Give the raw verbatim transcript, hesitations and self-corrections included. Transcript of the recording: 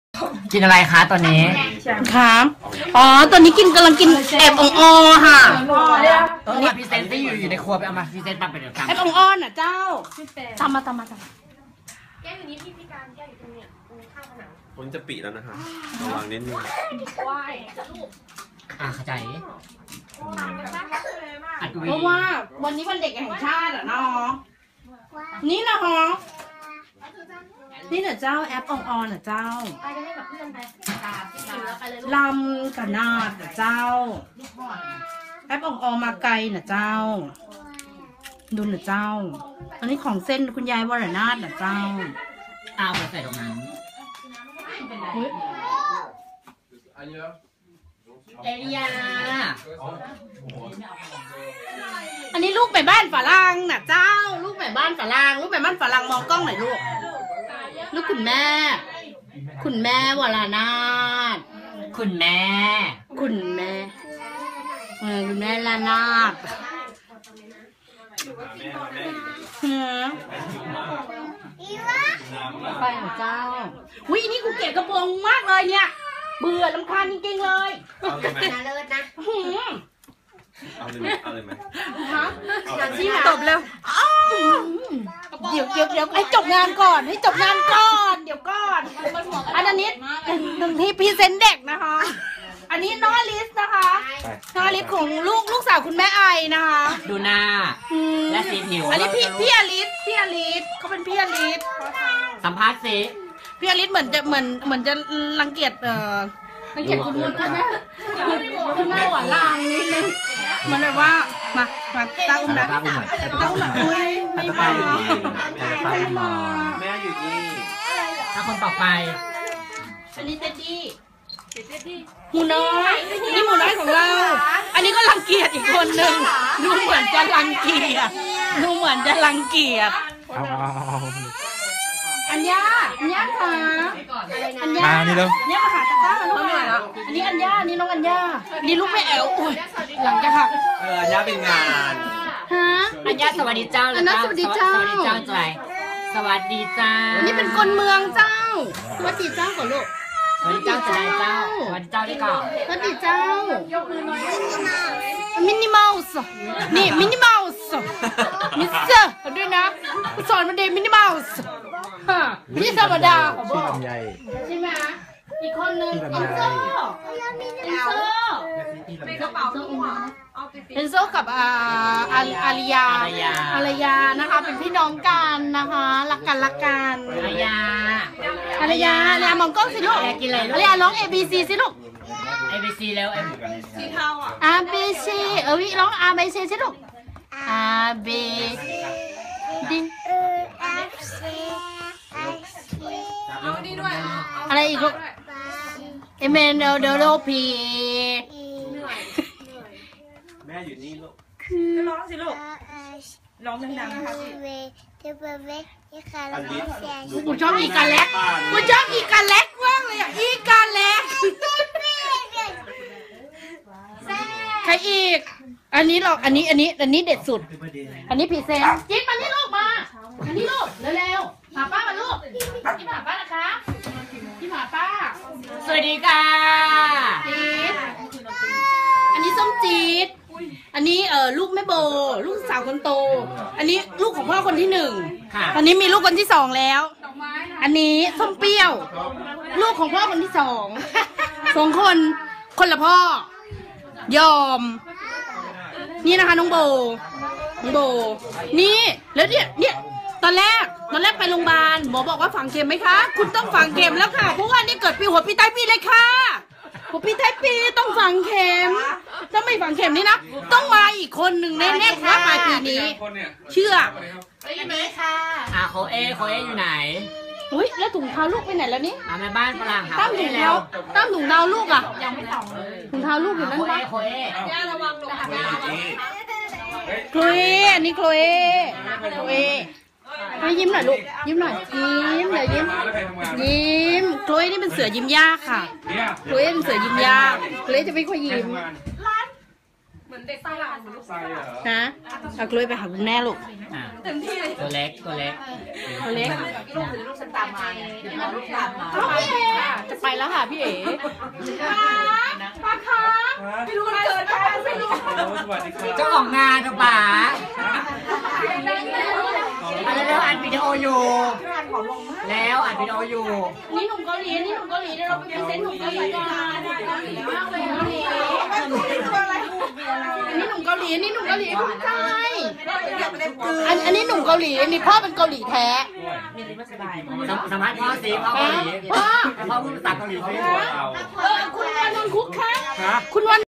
กินอะไรคะตอนนี้ครับอ๋อตอนนี้กินกำลังกินแอบองอค่ะตอนนี้พรีเซนต์ที่อยู่อยู่ในครัวไปเอามาพรีเซนต์ปั๊บไปเดี๋ยวทำแอบองอ้อนอ่ะเจ้าตามมาตามมาตามมาแก้วอยู่นี้พี่พิการแก้วอยู่ตรงเนี้ยตรงข้างผนังผมจะปิแล้วนะครับระวังนิดนึงว่ายลูกอ่ะเข้าใจเพราะว่าวันนี้วันเด็กแห่งชาติอ่ะน้องนี่นะฮะนี่น่ะเจ้าแอปองออนน่ะเจ้าไปกันให้กับเพื่อนไปตามที่แล้วไปเลยลำกับนาดน่ะเจ้าแอปองออนมาไกลน่ะเจ้าดูน่ะเจ้าอันนี้ของเส้นคุณยายวรนาถน่ะเจ้าเอาไปใส่ตรงนั้นเอริยาอันนี้ลูกไปบ้านฝรั่งน่ะเจ้าลูกไปบ้านฝรั่งลูกไปบ้านฝรั่งมองกล้องหน่อยลูกลูกคุณแม่คุณแม่วรนาถคุณแม่คุณแม่เออคุณแม่ลานาถเฮ้ยไปเหรอเจ้าวินี่กูเกลียดกระโปรงมากเลยเนี่ยเบื่อลำคาญจริงๆเลยนะเลิศนะเอาเลยไหมเอาเลยไหมฮะตบแล้วเดี๋ยวเดี๋ยวเดี๋ยวให้จบงานก่อนให้จบงานก่อนเดี๋ยวก่อนอันนี้หนึ่งที่พรีเซนต์เด็กนะคะอันนี้น้องอลิสนะคะน้องอลิสของลูกลูกสาวคุณแม่ไอนะคะดูหน้าและสีผิวอันนี้พี่พี่อลิสพี่อลิสเขาเป็นพี่อลิสสัมภาษณ์สิพี่อลิสเหมือนจะเหมือนเหมือนจะรังเกียจเอ่อรังเกียจคุณคุณแม่คุณแม่หวานลางนิดนึงมันแบบว่ามามาตาอุ้มนะตาอุ้มหน่อยตาอุ้มหน่อยอุ้ยไม่มาไม่มาแม่อยู่นี่ถ้าคนต่อไปอันนี้เต็ดดี้หมูน้อยนี่หมูน้อยของเราอันนี้ก็รังเกียจอีกคนหนึ่งดูเหมือนจะรังเกียจดูเหมือนจะรังเกียจอัญญาอัญญาค่ะอัญญานี่แล้วเนี่ยมาหาตาต้ามันหน่อยอ่ะอันนี้อัญญานี่น้องอัญญานี่ลูกแม่แอ๋วอุ้ยหลังจะหักเอออัญญาเป็นงานฮะอัญญาสวัสดีเจ้าอัญญาสวัสดีเจ้าสวัสดีเจ้าใจสวัสดีเจ้าอันนี้เป็นคนเมืองเจ้าสวัสดีเจ้าก่อนลูกสวัสดีเจ้าจะได้เจ้าสวัสดีเจ้าดีก่อนสวัสดีเจ้ามินิมัลส์นี่มินิมัลส์มิสเตอร์ด้วยนะสอนมาเดมินิมัลส์นี่ธรรมดาชื่อลำไยใช่ไหมอีกคนนึงเอ็นโซเอ็นโซเป็นกระเป๋าเอ็นโซกับอาอาริยาอาริยานะคะเป็นพี่น้องกันนะคะรักกันรักกันอาริยาอาริยาอาริยามองกล้องสิลูกกินอะไรอาริยาร้อง A B C สิลูก A B C แล้วสีเทาอ่ะ A B C เออวิร้อง A B C สิลูก A B D เอาดีด้วยอะไรอีกลูกเอเมนเดลเดลโลพีแม่อยู่นี่ลูกก็ร้องสิลูกร้องดังๆนะคะพี่กูชอบอีกาเล็กกูชอบอีกาเล็กมากเลยอ่ะอีกาเล็กใครอีกอันนี้หรอกอันนี้อันนี้อันนี้เด็ดสุดอันนี้พีเซนจิ๊บมานี่ลูกมาอันนี้ลูกเร็วๆหาป้ามาลูกจิ๊บหาป้านะคะจิ๊บหาป้าสวัสดีค่ะจี๊ดอันนี้ส้มจี๊ดอันนี้เอ่อลูกแม่โบลูกสาวคนโตอันนี้ลูกของพ่อคนที่หนึ่งตอนนี้มีลูกคนที่สองแล้วอันนี้ส้มเปรี้ยวลูกของพ่อคนที่สองสองคนคนละพ่อยอมนี่นะคะน้องโบน้องโบนี่แล้วเนี่ยเนี่ยตอนแรกตอนแรกไปโรงพยาบาลหมอบอกว่าฝังเข็มไหมคะคุณต้องฝังเข็มแล้วค่ะเพราะว่านี่เกิดปีหัวปีใต้ปีเลยค่ะหัวปีใต้ปีต้องฝังเข็มถ้าไม่ฝังเข็มนี่นะต้องมาอีกคนหนึ่งแน่ๆว่าปลายปีนี้เชื่อไหมค่ะอ่าโคเอโคเออยู่ไหนอุ้ยแล้วถุงเท้าลูกไปไหนแล้วนี่อ่าแม่บ้านฝรั่งตั้มถุงเท้าตั้มถุงเท้าลูกอ่ะยังไม่ส่งเลยถุงเท้าลูกอยู่นั่นปะโคเอย่าระวังลงมาโคเออันนี้โคเอโคเอให้ยิ้มหน่อยลูกยิ้มหน่อยยิ้มเดี๋ยวยิ้มยิ้มโคเอนี่เป็นเสือยิ้มยากค่ะโคเอเป็นเสือยิ้มยากโคเอจะไม่ค่อยยิ้มเหมือนเด็กฝรั่งเหมือนลูกใส่เหรอนะเอากล้วยไปหาคุณแม่ลูกอ่ะเต็มที่เลยตัวเล็กตัวเล็กตัวเล็กลูกหรือลูกฉันตามมาไงเดี๋ยวลูกตามมาเอาพี่เอ๋จะไปแล้วค่ะพี่เอ๋ปลาคะไม่รู้มันเกิดอะไรไม่รู้โอ้สวัสดีครับเจ้าของงานนะป๋าอะไรแล้วอัดวิดีโออยู่แล้วอัดวิดีโออยู่นี่หนุ่มเกาหลีนี่หนุ่มเกาหลีเดี๋ยวเราไปพรีเซนต์หนุ่มเกาหลีกันเกาหลีมากเลยเกาหลีอันนี้หนุ่มเกาหลีอันนี้หนุ่มเกาหลีภูมิใจอันอันนี้หนุ่มเกาหลีอันนี้พ่อเป็นเกาหลีแท้สมสมัยพ่อสีพ่อเกาหลีพ่อพูดภาษาเกาหลีสิเออคุณวันนนท์คุกคะคุณวัน